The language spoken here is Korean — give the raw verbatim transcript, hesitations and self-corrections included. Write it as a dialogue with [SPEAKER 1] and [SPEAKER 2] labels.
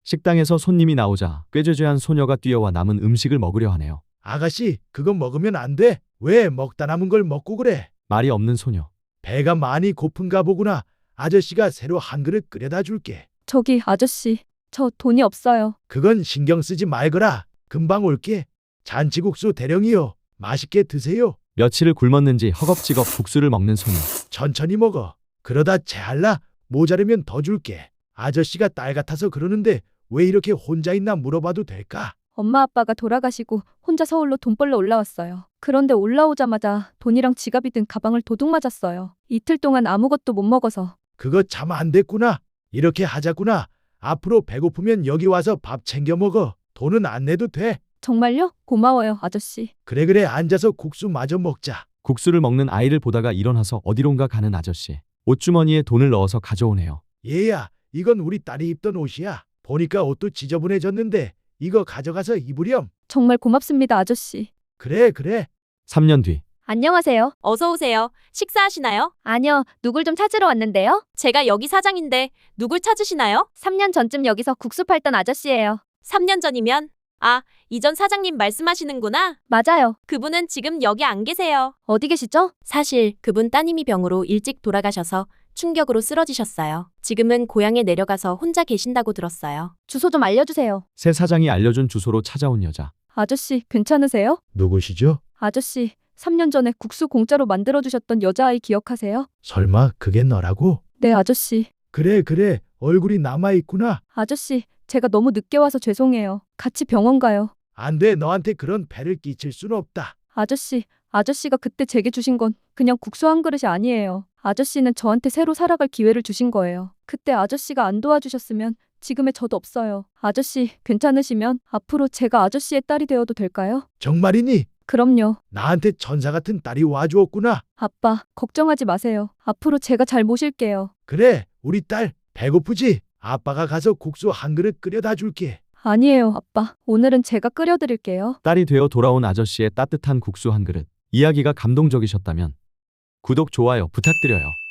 [SPEAKER 1] 식당에서 손님이 나오자 꾀죄죄한 소녀가 뛰어와 남은 음식을 먹으려 하네요.
[SPEAKER 2] 아가씨, 그거 먹으면 안 돼. 왜 먹다 남은 걸 먹고 그래?
[SPEAKER 1] 말이 없는 소녀.
[SPEAKER 2] 배가 많이 고픈가 보구나. 아저씨가 새로 한 그릇 끓여다 줄게.
[SPEAKER 3] 저기 아저씨, 저 돈이 없어요.
[SPEAKER 2] 그건 신경 쓰지 말거라. 금방 올게. 잔치국수 대령이요. 맛있게 드세요.
[SPEAKER 1] 며칠을 굶었는지 허겁지겁 국수를 먹는 소녀.
[SPEAKER 2] 천천히 먹어. 그러다 체할라. 모자르면 더 줄게. 아저씨가 딸 같아서 그러는데 왜 이렇게 혼자 있나 물어봐도 될까?
[SPEAKER 3] 엄마 아빠가 돌아가시고 혼자 서울로 돈 벌러 올라왔어요. 그런데 올라오자마자 돈이랑 지갑이 든 가방을 도둑 맞았어요. 이틀 동안 아무것도 못 먹어서.
[SPEAKER 2] 그거 참 안 됐구나. 이렇게 하자꾸나. 앞으로 배고프면 여기 와서 밥 챙겨 먹어. 돈은 안 내도 돼.
[SPEAKER 3] 정말요? 고마워요, 아저씨.
[SPEAKER 2] 그래 그래 앉아서 국수 마저 먹자.
[SPEAKER 1] 국수를 먹는 아이를 보다가 일어나서 어디론가 가는 아저씨. 옷주머니에 돈을 넣어서 가져오네요.
[SPEAKER 2] 얘야, 이건 우리 딸이 입던 옷이야. 보니까 옷도 지저분해졌는데 이거 가져가서 입으렴.
[SPEAKER 3] 정말 고맙습니다, 아저씨.
[SPEAKER 2] 그래 그래.
[SPEAKER 1] 삼 년 뒤.
[SPEAKER 3] 안녕하세요.
[SPEAKER 4] 어서 오세요. 식사하시나요?
[SPEAKER 3] 아니요, 누굴 좀 찾으러 왔는데요.
[SPEAKER 4] 제가 여기 사장인데 누굴 찾으시나요?
[SPEAKER 3] 삼 년 전쯤 여기서 국수 팔던 아저씨예요.
[SPEAKER 4] 삼 년 전이면 아, 이전 사장님 말씀하시는구나.
[SPEAKER 3] 맞아요.
[SPEAKER 4] 그분은 지금 여기 안 계세요.
[SPEAKER 3] 어디 계시죠?
[SPEAKER 4] 사실 그분 따님이 병으로 일찍 돌아가셔서 충격으로 쓰러지셨어요. 지금은 고향에 내려가서 혼자 계신다고 들었어요.
[SPEAKER 3] 주소 좀 알려주세요.
[SPEAKER 1] 새 사장이 알려준 주소로 찾아온 여자.
[SPEAKER 3] 아저씨, 괜찮으세요?
[SPEAKER 2] 누구시죠?
[SPEAKER 3] 아저씨, 삼 년 전에 국수 공짜로 만들어주셨던 여자아이 기억하세요?
[SPEAKER 2] 설마 그게 너라고?
[SPEAKER 3] 네, 아저씨.
[SPEAKER 2] 그래 그래. 얼굴이 남아있구나.
[SPEAKER 3] 아저씨, 제가 너무 늦게 와서 죄송해요. 같이 병원 가요.
[SPEAKER 2] 안 돼. 너한테 그런 배를 끼칠 순 없다.
[SPEAKER 3] 아저씨, 아저씨가 그때 제게 주신 건 그냥 국수 한 그릇이 아니에요. 아저씨는 저한테 새로 살아갈 기회를 주신 거예요. 그때 아저씨가 안 도와주셨으면 지금의 저도 없어요. 아저씨, 괜찮으시면 앞으로 제가 아저씨의 딸이 되어도 될까요?
[SPEAKER 2] 정말이니?
[SPEAKER 3] 그럼요.
[SPEAKER 2] 나한테 천사 같은 딸이 와주었구나.
[SPEAKER 3] 아빠, 걱정하지 마세요. 앞으로 제가 잘 모실게요.
[SPEAKER 2] 그래, 우리 딸 배고프지? 아빠가 가서 국수 한 그릇 끓여다 줄게.
[SPEAKER 3] 아니에요, 아빠. 오늘은 제가 끓여드릴게요.
[SPEAKER 1] 딸이 되어 돌아온 아저씨의 따뜻한 국수 한 그릇. 이야기가 감동적이셨다면 구독, 좋아요 부탁드려요.